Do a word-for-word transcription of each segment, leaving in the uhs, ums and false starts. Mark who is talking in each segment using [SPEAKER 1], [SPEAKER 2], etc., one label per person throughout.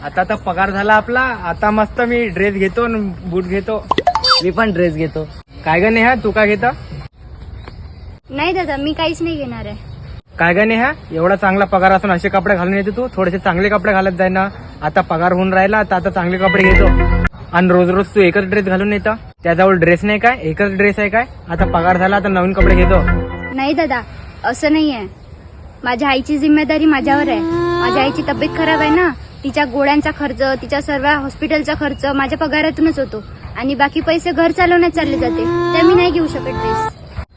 [SPEAKER 1] आता तर पगार झाला आपला, आता मस्त मी ड्रेस घेतो न बूट घेतो.
[SPEAKER 2] मी पण ड्रेस घेतो.
[SPEAKER 1] काय ग नेहा, तू काय घेता?
[SPEAKER 3] नाही दादा, मी काहीच नाही घेणार आहे.
[SPEAKER 1] काय ग नेहा, एवढा चांगला पगार असून असे कपडे घालून येते तू? थोडेसे चांगले कपडे घालत जाय ना. आता पगार होऊन राहिला तर आता चांगले कपडे घेतो. आणि रोज रोज तू एकच ड्रेस घालून येतं. त्याजवळ ड्रेस नाही काय, एकच ड्रेस आहे काय? आता पगार झाला तर नवीन कपडे घेतो.
[SPEAKER 3] नाही दादा, असं नाही आहे. माझ्या आईची जिम्मेदारी माझ्यावर आहे. माझ्या आईची तब्येत खराब आहे ना, तिच्या गोळ्यांचा खर्च, तिच्या सर्व हॉस्पिटलचा खर्च माझ्या पगारातूनच होतो. आणि बाकी पैसे घर चालवण्यात चालले जाते. त्या मी नाही घेऊ शकत ड्रेस.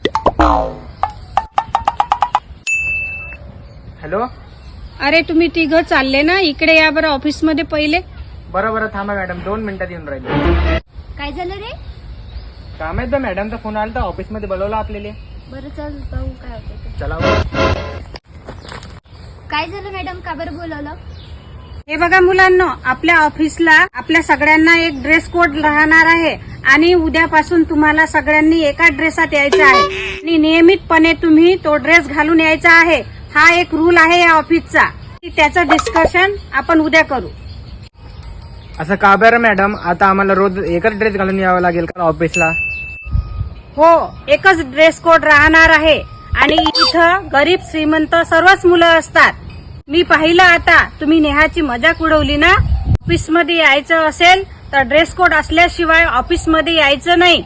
[SPEAKER 1] हॅलो.
[SPEAKER 4] अरे तुम्ही तिघं चालले ना, इकडे या बरं ऑफिस मध्ये पहिले.
[SPEAKER 1] बरं बरं थांबा मॅडम, दोन मिनिटात येऊन राहिले.
[SPEAKER 3] काय झालं रे?
[SPEAKER 1] काम आहे तर मॅडमचा फोन आला तर ऑफिसमध्ये बोलवलं आपल्याला.
[SPEAKER 3] बरं चल पाहू काय होतं ते.
[SPEAKER 1] चला बरं.
[SPEAKER 3] काय झालं मॅडम, का बरं बोलवलं?
[SPEAKER 4] हे बघा मुलांना, आपल्या ऑफिसला आपल्या सगळ्यांना एक ड्रेस कोड राहणार आहे आणि उद्यापासून तुम्हाला सगळ्यांनी एका ड्रेसात यायचं आहे आणि नियमितपणे तुम्ही तो ड्रेस घालून यायचा आहे. हा एक रूल आहे या ऑफिसचा. त्याचं डिस्कशन आपण उद्या करू.
[SPEAKER 1] असं का बरं मॅडम, आता आम्हाला रोज एकच ड्रेस घालून यावं लागेल का ऑफिसला?
[SPEAKER 4] हो, एकच ड्रेस कोड राहणार आहे आणि इथं गरीब श्रीमंत सर्वच मुलं असतात. मी पाहिलं आता, तुम्ही नेहाची मजाक उडवली ना. ऑफिसमध्ये यायचं असेल तर ड्रेस कोड असल्याशिवाय ऑफिसमध्ये यायचं नाही.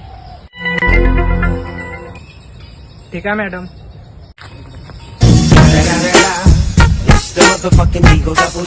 [SPEAKER 1] ठीक आहे मॅडम.